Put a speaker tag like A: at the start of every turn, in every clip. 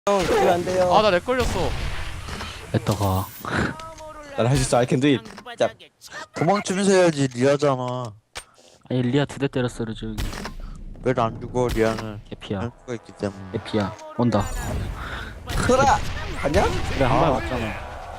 A: 형, 그러면 안 돼요.
B: 아 나 렉 걸렸어.
C: 했다가
A: 난 할 수 있어. I can do it. 자,
D: 도망치면서 해야지. 리아잖아.
C: 아니 리아 2대 때렸어 저기.
D: 왜 안 죽어? 리아는
C: 개피야
D: 할수가 있기 때문에.
C: 개피야 온다.
A: 소라! 갔냐?
C: 그래 한 발 왔잖아.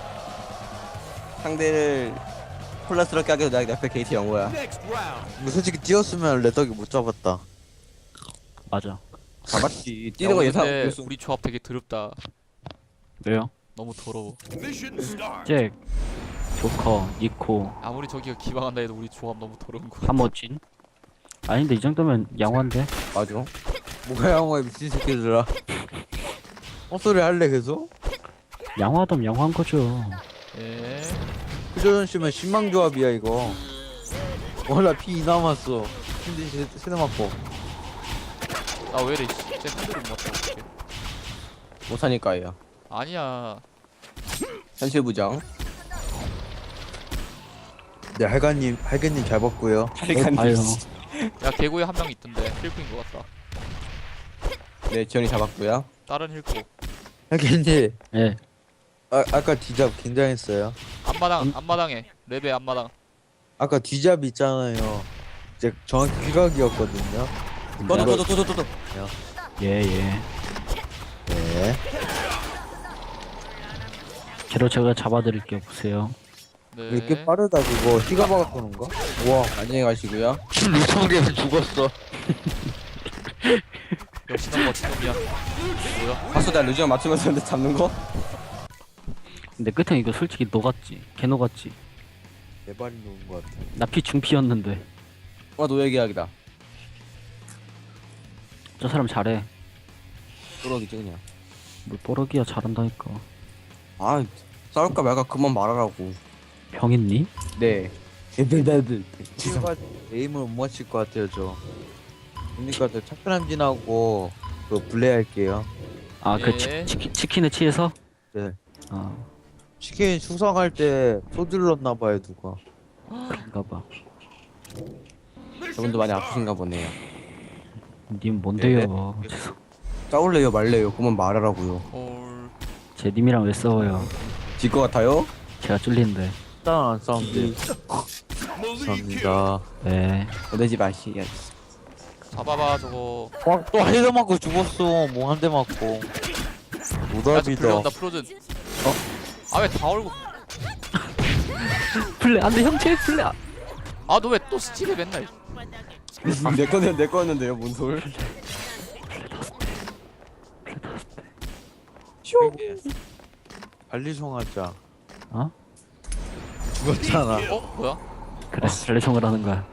A: 상대를 혼란스럽게 하게 해서 내 옆에 게이트 영호야.
D: 근데 솔직히 뛰었으면 레덕이 못 잡았다.
C: 맞아.
A: 잡았지. 뛰는 거
B: 야,
A: 예상
B: 근데
A: 못했어.
B: 우리 조합 되게 더럽다.
C: 왜요?
B: 너무 더러워.
C: 잭, 조커, 니코,
B: 아무리 저기가 기방한다 해도 우리 조합 너무 더러운 거.
C: 하머진. 아닌데 이 정도면 양호한데?
A: 맞아.
D: 뭐가 양호해 미친 새끼들아. 헛소리 할래 계속?
C: 양호하다면 양호한 거죠.
B: 예.
D: 휴조전 씨면 신망조합이야 이거. 몰라 피 2 남았어. 힘든 세대 맞고.
B: 나 왜 이래? 쟤 한대를 못 맞춰. 어떡해.
A: 못하니까요.
B: 아니야.
A: 현실 부정.
D: 네 할가님 잘 봤고요.
C: 아유,
B: 야 개구에 한 명 있던데 힐크인 것 같다.
A: 네, 지원이 잡았고요.
B: 다른 힐크.
D: 할가님
C: 예.
D: 아까 뒤잡 굉장했어요.
B: 앞마당에 레베 앞마당.
D: 아까 뒤잡 있잖아요. 이제 정확히 휘각이었거든요.
A: 또또또또또또.
C: 예, 예.
D: 네.
C: 걔로 제가 잡아드릴게요. 보세요.
B: 네.
D: 왜 이렇게 빠르다 그거 휘가 박았던 건가? 우와.
A: 안녕히 가시고요.
D: 6,000개에서 죽었어.
B: 역시 넌 멋진 놈이야. 뭐야?
A: 봤어, 나 루지언 맞추면서 근데 잡는 거?
C: 근데 끝에 이거 솔직히 녹았지. 개 녹았지.
D: 내 발이 놓은 것 같아.
C: 나 피 중피였는데.
A: 노예 계약이다.
C: 저 사람 잘해.
A: 뚜러기지 그냥.
C: 뭘 뽀러기야 잘한다니까.
A: 아, 싸울까 말까 그만 말하라고.
C: 병 있니?
A: 네. 네네네.
D: 휘가 에임을 못 맞힐 것 같아요 저. 그러니까 저 착변함진하고 그 플레이할게요.
C: 아, 그
B: 예.
C: 치킨에 취해서?
D: 네.
C: 아,
D: 치킨 숙성할 때 소주 넣었나봐요 누가.
C: 그런가 봐.
A: 저분도 많이 아프신가 보네요.
C: 님 뭔데요? 죄송.
A: 싸울래요 말래요? 그만 말하라고요.
B: 헐.
C: 제 님이랑 왜 싸워요?
A: 질 것 같아요?
C: 제가 쫄리는데.
D: 일단 안 싸운대. 감사합니다.
C: 네.
A: 보내지 마시.
B: 잡아봐 저거.
D: 또 헤드 맞고 죽었어. 뭐 한 대 맞고.
B: 야
D: 노답이다.
B: 불려온다 프로즌. 아 왜 다 얼고?
C: 플레 안돼 형제 플레.
B: 아 너 왜 또 스틸해 맨날?
A: 내 거였는데요, 뭔 소리?
D: 관리송하자.
C: 어?
D: 죽었잖아.
B: 어 뭐야?
C: 그래 플레송을 하는 거야.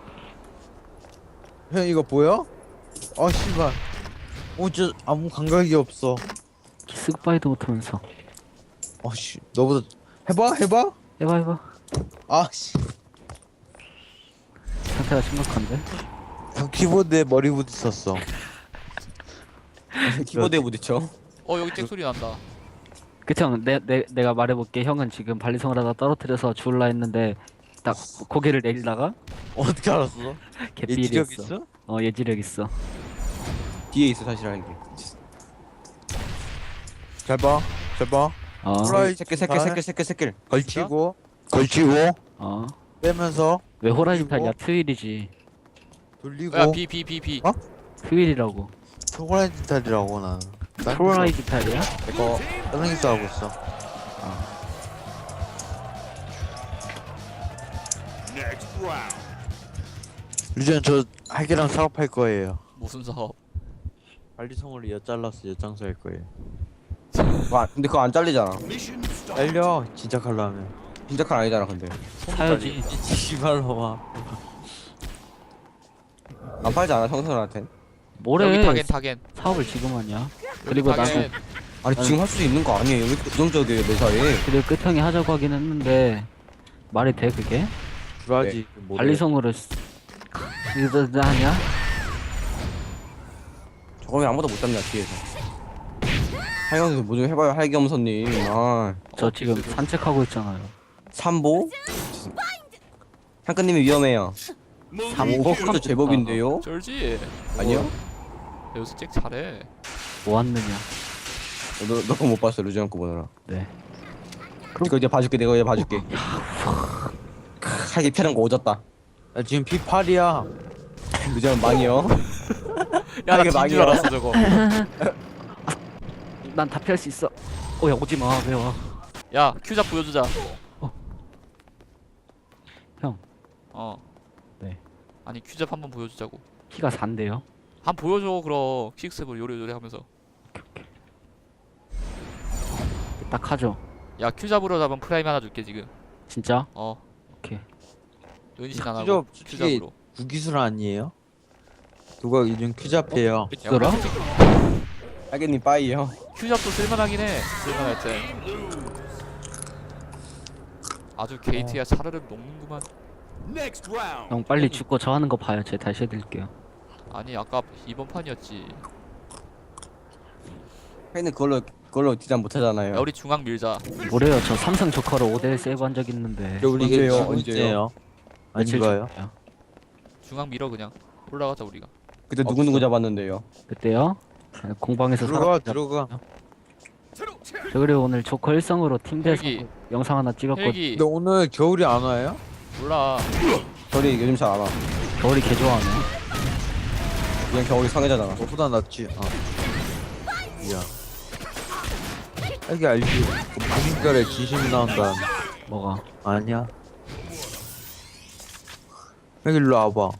D: 형 이거 보여? 아 씨발. 저 아무 감각이 없어.
C: 키스 굿바이도 못하면서.
D: 씨 너보다 해봐.
C: 해봐.
D: 씨.
C: 상태가 심각한데?
D: 형 키보드에 머리 부딪혔어.
A: 키보드에 부딪혀.
B: 여기 잭 소리 난다.
C: 그치 형, 내가 말해볼게. 형은 지금 발리성을 하다 떨어뜨려서 죽을라 했는데 딱 고개를 내리다가
D: 어떻게 알았어?
C: 개삐리였어.
D: 예지력 있어?
C: 예지력 있어.
A: 뒤에 있어 사실 알게.
D: 잘 봐.
C: 어,
D: 호라이
A: 새끼.
D: 걸치고
C: 어.
D: 빼면서
C: 왜 호라이즌
D: 그리고-
C: 탈이야? 트윌이지.
D: 돌리고
B: 야 B.
D: 어?
C: 트윌이라고.
D: 호라이즌 탈이라고 나는.
C: 호라이즌 탈이야?
D: 이거 다른 게 싸우고 있어. 유전 저 할기랑 사업할 거예요.
B: 무슨 사업?
D: 관리성으로 엿잘라서 엿장수 할 거예요.
A: 근데 그거 안 잘리잖아.
D: 잘려 진짜 칼로 하면.
A: 진짜 칼 아니잖아 근데.
C: 사야지.
D: 씨발로 와.
A: 안 팔지 않아 청소년한텐?
B: 여기
C: 뭐래?
B: 타겐.
C: 사업을 지금 하냐? 그리고 나도
B: 타겐.
A: 아니 지금 할 수 있는 거 아니에요? 왜 이렇게 부정적이에요 매사에?
C: 그리고 끝형이 하자고 하긴 했는데 말이 돼 그게?
D: 주라지.
C: 관리성으로 이러다 하냐?
A: 저거 왜 아무도 못 잡냐 뒤에서. 하영이 뭐좀 해봐요 할겸선님.
C: 저 지금 산책하고 있잖아요.
A: 삼보? 향크님이 위험해요.
C: 삼보
A: 진짜 제법인데요?
B: 쩔지.
A: 아니요?
B: 여기서 잭 잘해.
C: 뭐 왔느냐?
A: 너 그거 못 봤어 루즈형 거 보느라.
C: 네.
A: 이거 이제 봐줄게. 내가 이제 봐줄게. 하기 편한 거 오졌다.
D: 나 지금 P8이야.
A: 루즈형 망이요.
B: 야나
A: 이게
B: 진줄
A: 망이야.
B: 알았어 저거.
C: 난 다 피할 수 있어. 야 오지 마. 왜 와?
B: 야 큐잡 보여주자.
C: 형.
B: 어.
C: 네.
B: 아니 큐잡 한번 보여주자고.
C: 키가 4인데요.
B: 한 보여줘 그럼 킥스볼 요래요래 하면서.
C: 딱 하죠.
B: 야 큐잡으로 잡은 프라임 하나 줄게 지금.
C: 진짜?
B: 어.
C: 오케이.
B: 은신 안 하고
D: 큐잡
B: 큐잡으로.
D: 구기술 아니에요? 누가 요즘 큐잡해요.
C: 뭐라?
A: 하겠님 빠이요.
B: 큐잡도 쓸만하긴 해. 쓸만할 때. 아주 게이트야 차르륵 녹는구만.
C: 형 빨리 죽고 저 하는 거 봐요. 제가 다시 해드릴게요.
B: 아니 아까 이번 판이었지.
A: 하겠님 그걸로 디자인 못 하잖아요.
B: 야 우리 중앙 밀자.
C: 뭐래요? 저 삼성 조커로 5대1 세이브 한 적 있는데.
D: 우리 이게
A: 언제요?
D: 두 번째예요.
A: 언제요?
D: 아닌가요?
C: 전이에요.
B: 중앙 밀어 그냥. 올라가자 우리가.
A: 그때 누구 잡았는데요?
C: 그때요? 공방에서
D: 들어가
C: 살았죠.
D: 들어가.
C: 저 그리고 오늘 조커 1성으로 팀대에서
B: 헬기.
C: 영상 하나 찍었고
B: 헬기.
D: 근데 오늘 겨울이 안 와요?
B: 몰라.
A: 겨울이 요즘 잘 안 와.
C: 겨울이 개 좋아하네.
A: 그냥 겨울이 성애자잖아.
D: 너보다 낫지. 이야. 이게 알지? 그 무심결에 진심이 나온다.
C: 뭐가?
D: 아니야. 여기 일로 와봐.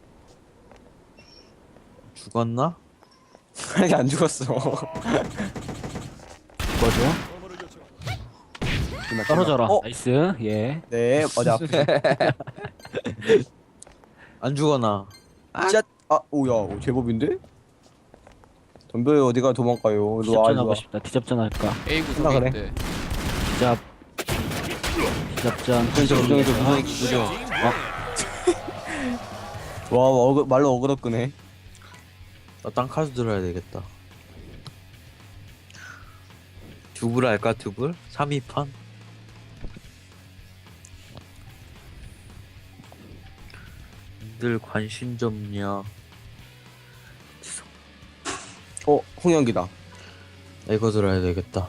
D: 죽었나?
A: 하게 안 죽었어.
C: 뭐죠?
A: 정말
C: 떨어져라.
A: 어?
C: 나이스. 예.
A: 네 어디 앞에.
D: 안 죽어나.
A: 짜. 아 오야 오, 제법인데? 덤벼요 어디가 도망가요. 일로 와
C: 디접전
A: 일로
C: 하고
A: 와.
C: 싶다. 디접전 할까?
B: A
A: 끝나
B: 구석에
A: 그래.
B: 있대.
C: 디접. 디접전.
A: 그래서 부정해서 부정. 와 말로 어그로 끄네.
D: 나 땅카드 들어야 되겠다. 두불 할까 두불? 3위판? 늘 관심 좀요.
A: 홍영기다.
D: 이거 들어야 되겠다.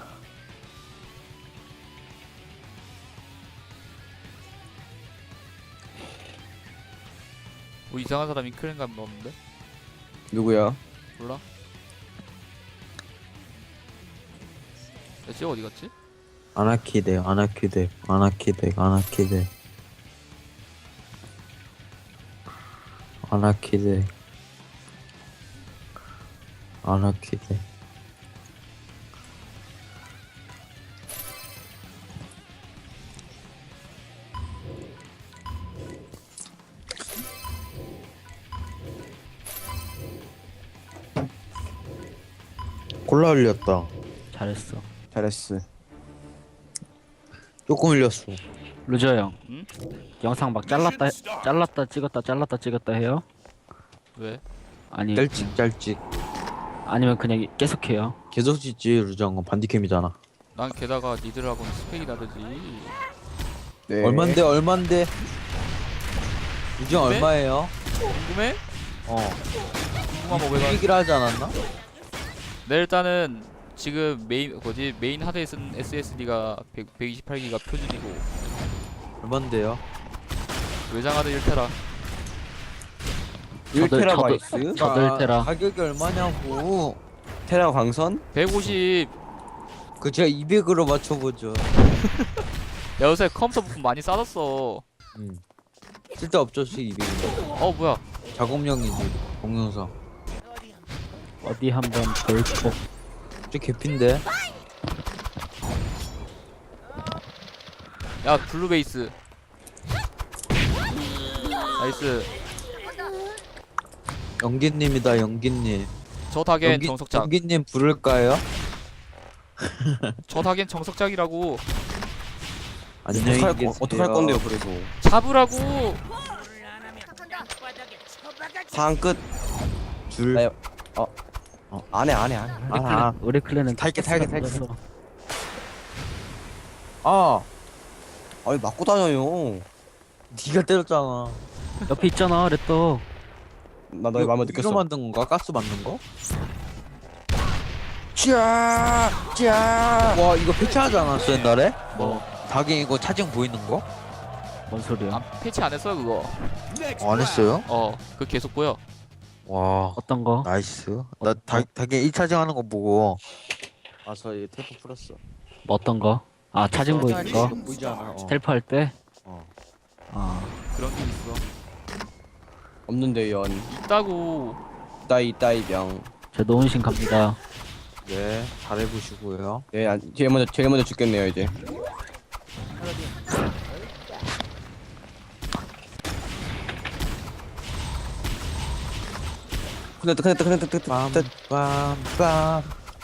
B: 뭐 이상한 사람 인크랭감 넣었는데?
A: 누구야?
B: 몰라? 야, 쟤 어디 갔지?
D: 아나키덱 아나키덱 아나키덱 아나키덱 아나키덱 아나키덱. 골라 흘렸다.
C: 잘했어.
A: 잘했어.
D: 조금 흘렸어.
C: 루저 형.
B: 응?
C: 영상 막 잘랐다 찍었다 해요?
B: 왜?
C: 아니
D: 짤찍 짤찍.
C: 아니면 그냥 계속해요.
D: 계속 짓지. 루저한 궁디캠이잖아.
B: 난 게다가 니들하고는 스펙이 다르지.
A: 네.
D: 얼만데? 루저
B: 네?
D: 얼마예요?
B: 궁금해? 궁금하면 왜 가?
D: 얘기를 하지 않았나?
B: 네 일단은 지금 메인 하드에 쓴 SSD가 128기가 표준이고
D: 얼만데요?
B: 외장 하드 1테라.
A: 1테라바이트?
C: 저도 1테라.
D: 가격이 얼마냐고.
A: 테라 광선?
B: 150.
D: 그 제가 200으로 맞춰보죠.
B: 야 요새 컴퓨터 부품 많이 싸졌어.
D: 쓸데없죠, 200은.
B: 어 뭐야?
D: 작업용이지, 동영상.
C: 어디 한번 볼고.
D: 저 개핀데?
B: 야 블루베이스. 나이스.
D: 연기님이다, 연기님.
B: 저 타겐 정석작.
D: 연기님 부를까요?
B: 저 타겐 정석작이라고.
D: 안녕히 계세요.
A: 어떡할 건데요 그래서.
B: 잡으라고.
A: 상황 끝.
D: 줄.
A: 나 안해
D: 아,
C: 우리 클랜은
A: 탈게.
C: 그래서
D: 아,
A: 아니 맞고 다녀요.
D: 니가 때렸잖아.
C: 옆에 있잖아 레터.
A: 나 너의 마음을
D: 이거
A: 느꼈어.
D: 만든 건가? 가스 만든 거? 와 이거 패치하지 않았어 옛날에?
C: 뭐,
D: 닭이 이거 차징 보이는 거?
C: 뭔 소리야?
B: 아 패치 안 했어요 그거.
D: 안 했어요?
B: 그거 계속 보여.
D: 와
C: 어떤 거?
D: 나이스. 나 닭이 1차징 하는 거 보고
A: 아저 얘 테이프 풀었어.
C: 뭐 어떤 거? 아, 차징 보이는 거?
D: 보이지 않아.
C: 스텔프 할 때?
D: 어.
C: 아,
B: 그런 게 있어.
A: 없는데 연.
B: 있다고.
A: 따이 병.
C: 제 노은신 갑니다.
D: 네 잘해보시고요.
A: 예, 제일 먼저 죽겠네요 이제. 큰일났다.
D: 빰빰빰.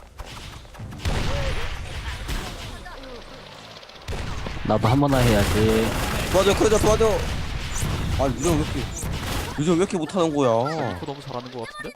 C: 나도 한 번나 해야지.
A: 도와줘. 아 요즘 왜 이렇게 못하는 거야?
B: 그거 너무 잘하는 거 같은데?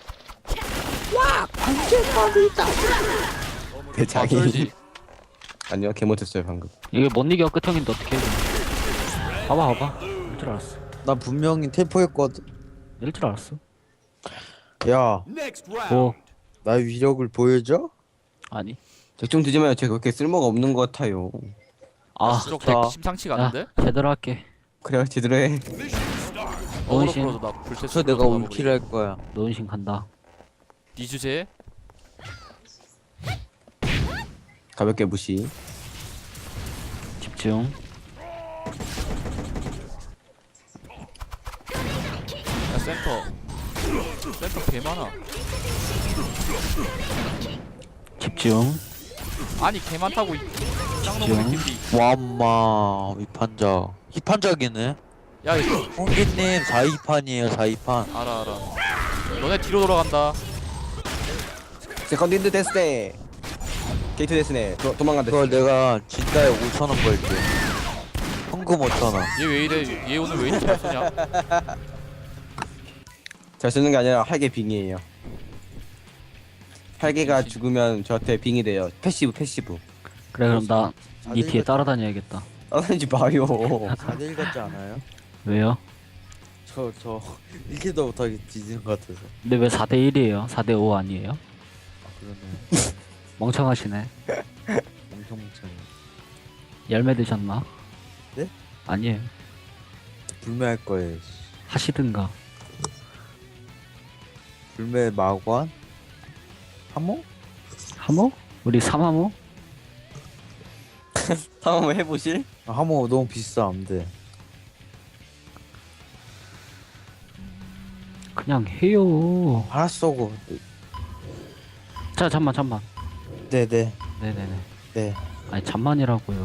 A: 대장이.
B: 쩔지.
A: 아니요, 개 못했어요 방금.
C: 이게 못 이겨 끝형인데 어떻게 해? 봐봐. 이럴 줄 알았어.
D: 나 분명히 텔포했거든.
C: 이럴 줄 알았어.
D: 야,
C: 뭐,
D: 나의 위력을 보여줘?
C: 아니.
A: 걱정 되지 마요. 제가 그렇게 쓸모가 없는 것 같아요.
C: 아,
B: 수적
D: 좋다.
B: 심상치가
C: 야,
B: 않은데?
C: 제대로 할게.
A: 그래 제대로 해.
B: 어그로
C: 노은신.
B: 풀어도 나 불새
D: 그래서 내가 울키를 할 거야.
C: 노은신 간다.
B: 네 주제.
A: 가볍게 무시.
C: 집중.
B: 야 센터 개 많아.
C: 집중.
B: 아니 개 많다고 이 짱놈의 팀이.
D: 와마 위판작. 힙판작이네.
B: 야 이거
D: 홍기님 4위판이에요 4위판.
B: 알아. 너네 뒤로 돌아간다.
A: 세컨드 데스네. 게이트 데스네. 도망간다.
D: 그걸 내가 진다에 5,000원 벌게. 현금 5,000원.
B: 얘 왜 이래? 얘 오늘 왜 이렇게 잘 쏘냐?
A: 잘 쓰는 게 아니라 할개 빙이에요. 할개가 죽으면 저한테 빙이 돼요. 패시브.
C: 그래, 그럼 나 니 뒤에 따라다녀야겠다.
A: 따라다니지 마요.
D: 4대1 같지 않아요?
C: 왜요?
D: 저 1킬도 못하게 뒤지는 것 같아서.
C: 근데 왜 4대1이에요? 4대5 아니에요?
D: 아 그러네.
C: 멍청하시네.
D: 엄청 멍청해.
C: 열매 드셨나?
D: 네?
C: 아니에요.
D: 불매할 거예요.
C: 하시든가.
D: 불매 마관? 하모?
C: 하모? 우리 3하모?
A: 한번 해보실?
D: 아, 하모 너무 비싸 안돼.
C: 그냥 해요.
D: 알았어 고.
C: 자, 잠만.
D: 네네.
C: 네네네.
D: 네.
C: 아니, 잠만이라고요.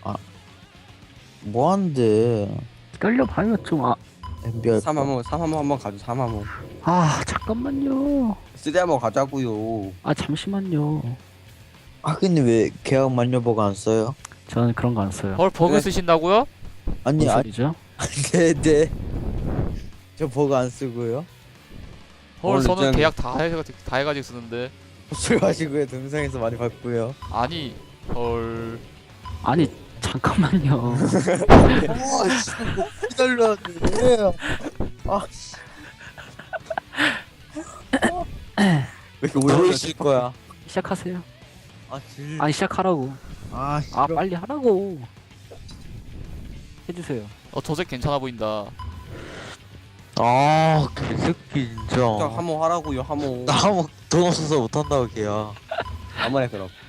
D: 뭐 하는데?
C: 떨려봐요, 좀.
D: MBR
A: 3화모 한번 가죠. 3화모.
C: 잠깐만요.
A: 쓰리 한번 가자고요.
C: 잠시만요.
D: 하기님 왜 계약 만료버가 안 써요?
C: 저는 그런 거 안 써요.
B: 헐 버그
A: 그래.
B: 쓰신다고요?
D: 아니
C: 뭔 소리죠?
D: 네네. 저 버그 안 쓰고요.
B: 헐
A: 오늘
B: 저는
A: 일단-
B: 계약 다 해가지고 쓰는데.
D: 술 마시고요. 동영상에서 많이 봤고요.
B: 아니 헐.
C: 아니, 잠깐만요.
D: 기다려야 돼. 아,
A: 왜 이렇게
D: 뭐
A: 오래
D: 있을 거야?
C: 시작하세요.
D: 질.
C: 아니, 시작하라고.
D: 싫어.
C: 빨리 하라고. 해주세요.
B: 저색 괜찮아 보인다.
D: 개새끼 진짜.
A: 한번 하라고요. 한번.
D: 나 한번 돈 없어서 못 한다고 걔야.
A: 한번 해 그럼.